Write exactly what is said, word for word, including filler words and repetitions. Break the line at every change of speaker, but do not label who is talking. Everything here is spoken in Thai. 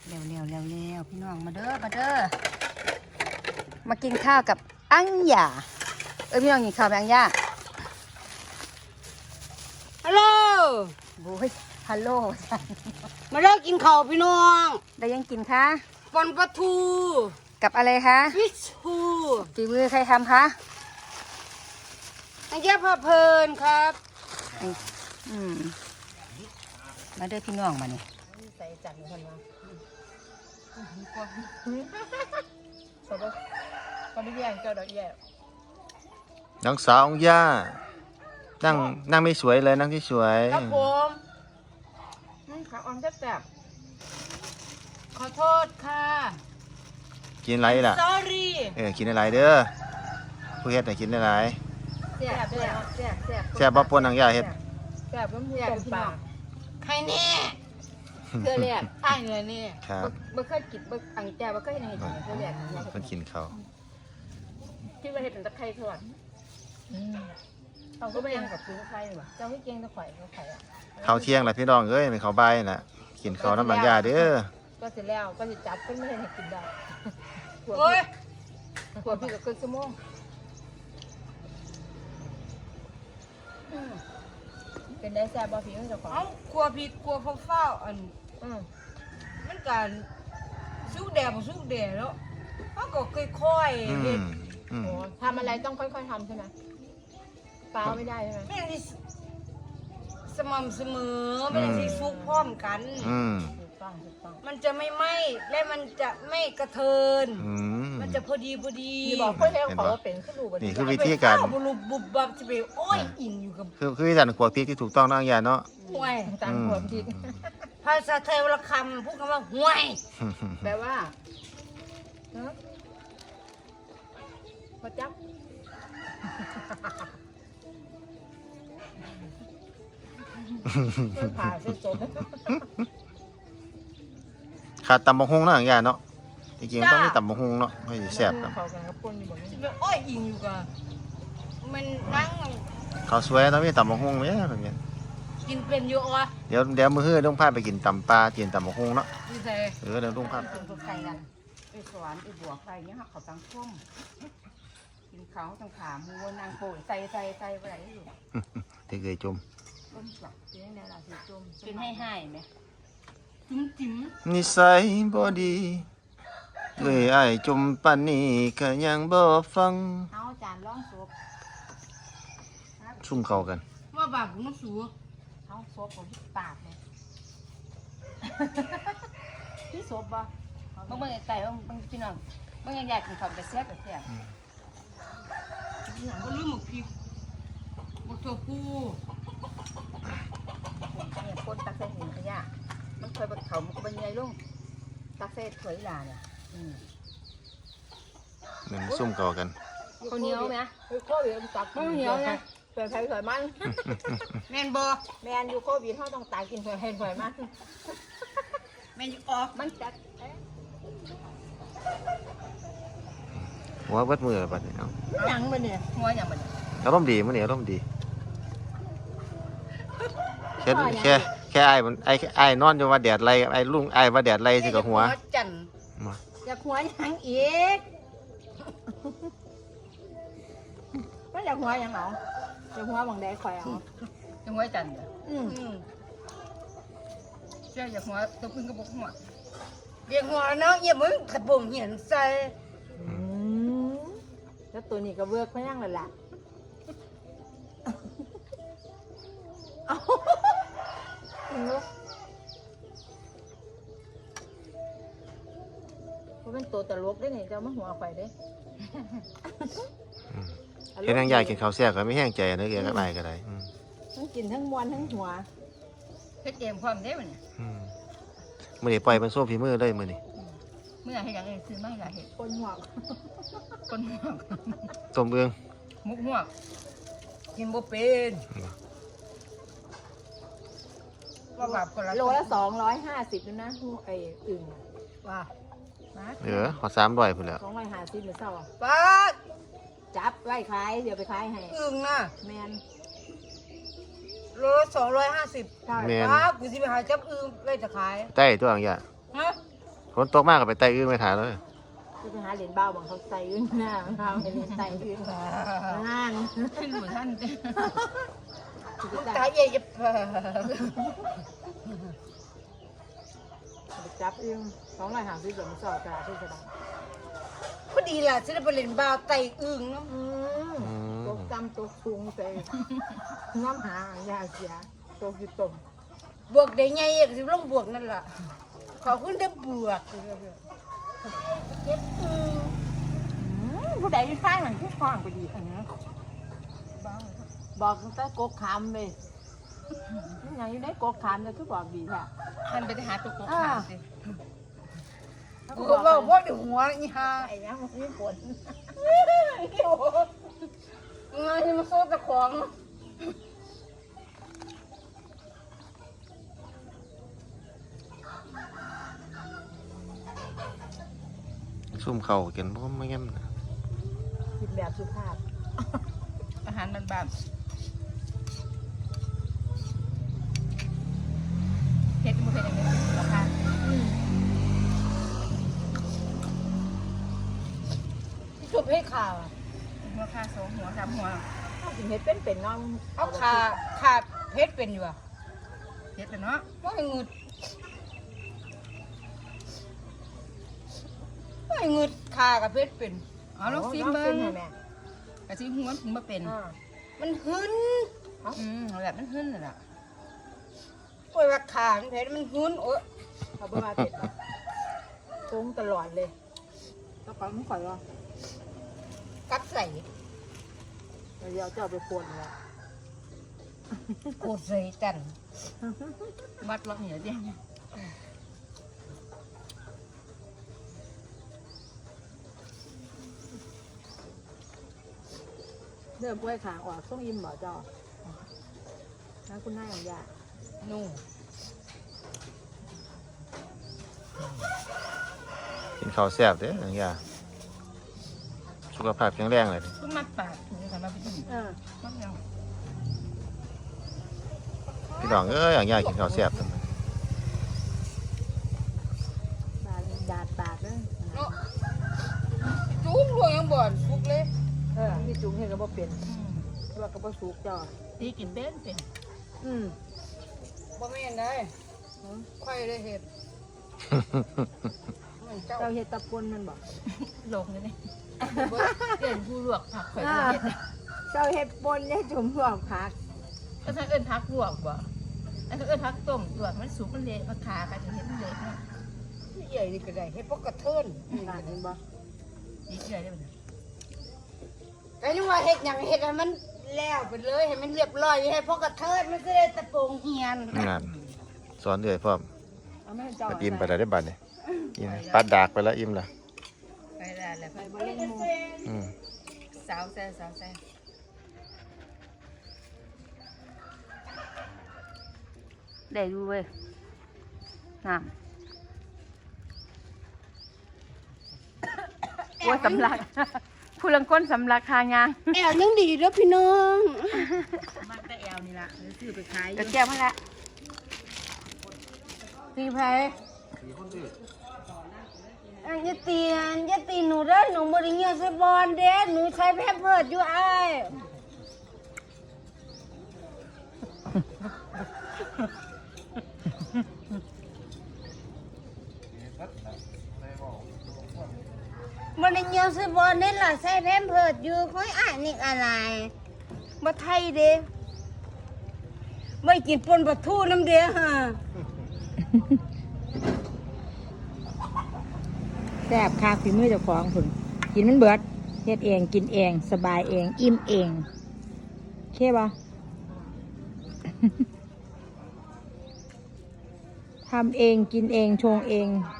เร็วเร็วเร็วเร็วพี่น้องมาเด้อมาเด้อมากินข้าวกับอังหยาเอ้ยพี่น้องกินข้าวกับอังหยา
ฮัลโหล
โอ้ยฮัลโหล
มาเลิกกินข้าวพี่น้อง
ได้ยังกินคะ
ปอนปลาทู
กับอะไรคะ
ฟิชทู
ฝีมือใครทำคะ
อันเจ้าพาเพลินครับ
อืมมาเด้อพี่น้องมาเนี่ย
ใส่จัดคนมาสบตอนนี้แย่งเจ้าดอกแย่
น้องสาวของย่านั่งนั่งไม่สวยเลยนั่งที่สวย
ครับผมขาอ่อนแซ่บขอโทษค่ะ
กินอะไรล่ะ
sorry
เออกินอะไรเด้อผู้เฮ็ดน่ะกินอะไร
แซ่บแซ่บแซ่บแซ่บ
แซ่บบ่ปนน้องย่าเฮ็ด
แซ่บน้ำแซ่บปากใครแน่
เพื่อแรก
ไอ้เงินนี่
ครับ
บ่เคยกินบ่อังแจบ่เคยเห็นเห็ดเพื่อแรก
เพิ่นกินข้าว
คิดว่าเห็ดเป็นตะไคร้ทอดเราก็ไม่ยังกับซื้อไข่หรอเจ้าไม่เก่งตะไคร้ตะไคร้อ่ะ
ข้าวเที่ยงล่ะพี่น้องเอ้ยเป็นข้าวบ่ายน่ะกินข้าวน้ำบางย่าเด้อ
ก็เสร็จแล้วก็จะจับขึ้นไม่ให้กินได้
โอ้ย
ขวดพี่กับครึ่งชั่วโมงเป็นได้แซ่บบ่พี่เจ้าของ
เอ้าครัวผิดครัวเฝ้าๆอัน
อืม
มันการสุกแดดบ่สุกแดดแล้วเขาก็ค่อย
อื
ๆเฮ็ด
มอืม
ทำอะไรต้องค่อยๆทำใช่ไหมเปล่าไม่ได้ใช่ไหม
ไม่ได้สม่ำเสมอไม่ได้ที่สุกพร้อมกัน
อืม
ถูกต้องถูกต้อง
มันจะไม่ไหม้และมันจะไม่กระเทิน
อืม
มันจะพอดีพอดี
พี่บอกเพื่อนให้เขาว่าเป็นขึ้นรูบ
นี่คือวิธีการ
ไปเข้บุรุษบุบบับจะไปโอ้ยอิงอยู่กับ
คือคือวิธีการขวดพริกที่ถูกต้องน้องย่าเนาะ
ห่วย
ตามขวดพริก
ภาษาไทยวรรณคำพูดคำว่าห่วย
แปลว่าเนาะพอจับ ผ่าเส้นสด
ขาดตำบักฮุงเนาะน้องย่าเนาะจริงๆต้องมีตำบักฮุงเนาะให้แซ่บครับ
เขากันกับคนอยู่บนนี้
จะไปโอ้ยอิงอยู่กับมันนั่ง
ข้าวสวยต้องมีตำบักฮุงแม่แบบนี้
กินเป็นอยู่อ่ะ
เดี๋ยวเดี๋ยวมื้อฮื้อต้องพาไปกินตำปลากินตำบักฮุงเนาะ
นี่ใส่
เออเดี๋ยวต้องพา
เป็นตัวไก่กันไอสวนไอบัวไก่เนี่ยเขาตั้งท่มกินเขาตั้งขามัวนางโปยใส่ใส่ใส่ไปไหนอยู่
ที่เคยจม
ต้นกลับเป็นในราศีจมเป็นให้ให้ไหม
จุ๋มจิ๋ม
นิสัยบ่ดีเลยอ้ายจมปานนี้ก็ยังบ่ฟัง
เอาจานล่องซุป
ซุ่มเข้ากัน
ว่าบาปของน้ำสู
เอาซุปผมปากเลยพี่ซุปบ่บางบางไก่บางบางพี่น้องบางใหญ่ๆกินข้าวไปแซ่บไปแซ่บ
ก็ลืมหมกพริกหมกถั่วพู
เนี่ยคนตักใส่หินขยะมันเคยเขามันก็เป็นไงลุงตักใส่ถวยลาเนี่ยอืม
นั่นซุ่มเข้ากัน
ข้าวเหนียวไหมโควิดตักข้าวเหนียวนะเผื่อใครเผื่อมัน
แม่นบอ
แมนอยู่โควิดเขาต้องตายกินเผื่อใครเผื่อมัน
แม่นอยู่ออก
มันจัด
หัวเบิดมือบัดนี้เนาะ
หยังมันเนี่ยหัวหยังมันเนี่ย
อารมณ์ดีมื้อนี้อารมณ์ดีแค่แค่แค่อ้ายมันไอ้อ้ายนอนอยู่ว่าแดดไล่ไอ้ลุงอ้ายว่าแดดไล่สิกับหัว
จัน
มา
อยากหัวหยังอีกมันอยากหัวหยังเหรออยากหัวบางแดดข่อยเอาอยากหัวจันเด้ออืม
อืม
เจ้าอยากหัวตัวพึ่งกระบอกหัว
เรียกหัวเนาะอย่ามึงขัดบ่มเหียนใส่
อืมแล้วตัวนี้ก็เวิร์กพยังเลยล่ะเอาเพราะเป็นตัวตลกได้ไงเจ้ามาหัวข่อยเด้
เฮ็ดทางยายกินข้าวแซ่บก็ไม่แห้งใจเด้อแกก็ได้ก็ได้อืม
ทั้งกินทั้งมวนทั้งหัวเฮ็ดเองพร้อมได้มันเนี่ย
อืมมื้อนี้ปล่อยมันโซ่ฝีมือเลยมื้อนี้
เมื่อให้อย่างเองซื้อไม่ละเห็ดคนหัวคนหัว
ต้มเอื้อง
มุกหัว
กินบ่เป็น ว่าบาปคนละ
โลละสองร้อยห้าสิบนะหูไอ้อึ่ง
ว่า
นะ
เออขอสามร้อยพุ่นแหล้ว
สองร้อยห้าสิบหรือเศร้า
ป้าด
จับไว้ขายเดี๋ยวไปขายให้
อึ่งน่ะ
แมน
โลสองร้อยห้าสิบ
ใช่
แม่น
ป้าดกูสิไปหาจับอึ่งไว้จะขาย
ใต้ตัวอย่างเงี้ย
ฮะ
ฝนตกมากก็ไปไต่อึ้งไปถ่ายเลย
จะไปหาเหรียญบ้าบางเขาใส่ยืนหน้ามันทำให้เหรียญใส่ยืนงาน
ขึ้นหมู่ท่าน
ตายเย่ยบจับอึ้งสองร้อยห้าสิบเหรียญสอดกระดาษที่กระดาษ
พอดีล่ะฉันได้ไปเล่นบาวไต่อึ่งเนาะ
อืมตัวจำตัวสูงใจน้ำหายาเสียตัวกี่ตุ่ม
บวกได้ไงอ่ะสิลงบวกนั่นล่ะขอบคุณได้บวกเก็บอึ่ง
ผู้ใดอยู่ข้างหลังที่คล้องไปดีอันนี้
บอกตั้งแต่กกขามเลยนี่ยังอยู่ในกกขามแต่คือบอกดีแท้
มันไปหาตัวโกขาสิ
กูก็บอกว่าเดี๋ยวหัวอีห่า
ไอ้ยังมันมีผล
งานที่มาโซ่ตะของ
ซุ่มเข่ากินเพราะไม่งั้นนะ
คิดแบบสุภาพ
อาหารมันแบบเผ็ดมันเผ็ดอย่างนี้ราคา
ชุบให้ข่าว
หัวค่าสองหัวสามหัว
ถ้าสิเฮ็ดเป็นเป็นน้อง
เอาขาขาเพชรเป็นอยู่อ่ะ
เผ็ดเลยเนาะ
ว่าให้งึดว่าให้งึดขากับเพชรเป็น
อ๋อลองซิมเบิ้งกระซิมหัวถึงมาเป็น
มันหึน
อืมแบบมันขึ้นเลยล่ะ
โอ้ยว่าขามันเพชรมันหึนโอ้ย
เขาเบิ่งมาเผ็ดตรงตลอดเลยแล้วก็มันข่อยว่า
กัดใส่
เดี๋ยวเจ้าไปคนแล้ว
โคตรใส่จัน
วัดล็อกเหนียวเด้ง
เริ่มกล้วยขาออกต้องยิ้มบ่เจ้านะคุณนายของยา
นู่
กินข้าวแซ่บเด้ออย่างเงี้ยสุขภาพแข็งแรงเลย
ก็มัดปากถึงจะมาไปกิน
เออ
มัดยัง
พี่น้องเอ้ยอย่างเงี้ยกินข้าวแซ่บทำไม
บาดดาดปากเด้อ
เนาะจุ้มรวยยังบ่อนฟุกเลย
เออที่จุงเห็นก็บ่เป็นว่าก็บ่สุกเจ้า
ตีกินเป็นเป็น
อืม
บ่แม่นได้ค่อยได้เห็ดเหมือนเจ้า
เจ้าเฮ็ดตะปนมันบ่
ลงเลยนี่เปลี่ยนผู้ลวกผักข่อยเห็ด
เจ้าเฮ็ดปนเนี่ยจุ่มหัวผัก
ก็ถ้าเอิ้นผักลวกบ่อันก็เอิ้นผักต้มลวกมันสุกมันเละมันขากันจะเห็ดมันเละเนาะ
ใหญ่นี่ก็ได้เฮ็ดพวกกระเทิน
บาดเห็นบ่
ดีเกลือได้ไหม
ไอ้นี่ว่าเฮ็ดหยังเฮ็ดให้มันแล้วไปเลยให้มันเรียบร้อยให้พวกกระเทินมันจะได้ตะโปงเฮียน
งานสอนเรื่อยพร้อม
เอาไม่ให้เจ้า
ปัดอิ่มไปแล้วได้บัดเนี่ยอิ่มปัดดากไปแล้วอิ่มละ
ไปแล้วแหละ
ไปบ่เล่นหมู
อืม
สาวแซ่สาวแซ่ได้ดูเว้ยน้ำโอ้ยสำลักผู้ลังก้นสำลักคางาง
แอวยังดีเด้อพี่น้อง
มากแต่แอลนี่ละเดี๋ยวซื้อไปขาย
กระเจี๊ยบมาละ
ตีไผอันจะตีอันจะตีหนูเด้อหนูบ่ได้เงียบใส่บอลเด้หนูใช้แพมเพิร์สอยู่อ้าย มันเงียวซื้อบอลนี่ล่ะใส่แพมเพิร์ดอยู่ค่อยอ่านนี่อะไรบ่ไทยเด้ไม่กินปนปลาทูน้ำเด้อฮะ
แซ่บคาฝีมือเจ้าของพุ่นกินมันเบิดเฮ็ดเองกินเองสบายเองอิ่มเองโอเคบ่ ทำเองกินเองชงเอง